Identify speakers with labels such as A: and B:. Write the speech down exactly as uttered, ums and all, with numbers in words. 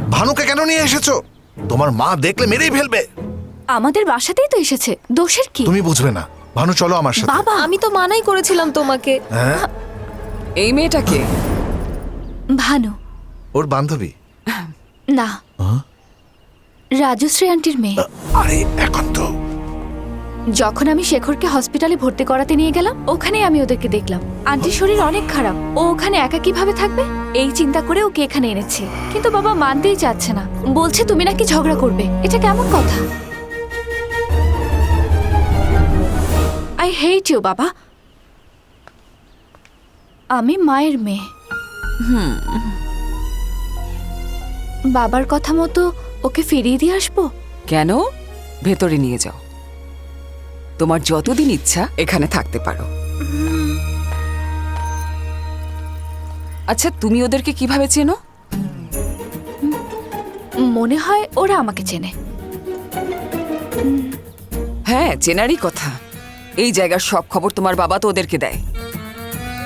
A: ভানুকে কেন নিয়ে এসেছো? তোমার মা দেখলে মেরেই ফেলবে।
B: আমাদের বাসাতেই তো এসেছে, দোষের কি?
A: তুমি বুঝবে না। ভানু চলো আমার সাথে।
B: বাবা,
C: আমি তো মানাই করেছিলাম তোমাকে।
A: হ্যাঁ,
D: এই মেয়েটাকে
B: ভানু
A: ওর বান্ধবী।
B: না, রাজশ্রী আন্টির মেয়ে।
A: আরে এখন তো
B: যখন আমি শেখরকে হসপিটালে ভর্তি করাতে নিয়ে গেলাম, ওখানে আমি ওদেরকে দেখলাম। আন্টির শরীর অনেক খারাপ, ও ওখানে একা কিভাবে থাকবে এই চিন্তা করে ওকে এখানে এনেছে। কিন্তু বাবা মানতেই চাচ্ছে না, বলছে তুমি নাকি ঝগড়া করবে। এটা কেমন কথা? আই হেট ইউ বাবা। আমি মায়ের মেয়ে। বাবার কথা মতো ওকে ফিরিয়ে দিয়ে আসবো।
D: কেন? ভেতরে নিয়ে যাও, তোমার যতদিন ইচ্ছা এখানে থাকতে পারো। আচ্ছা, তুমি ওদেরকে কিভাবে চেনো?
B: মনে হয় ওরা আমাকে চেনে।
D: হ্যাঁ, চেনারই কথা। এই জায়গার সব খবর তোমার বাবা তো ওদেরকে দেয়।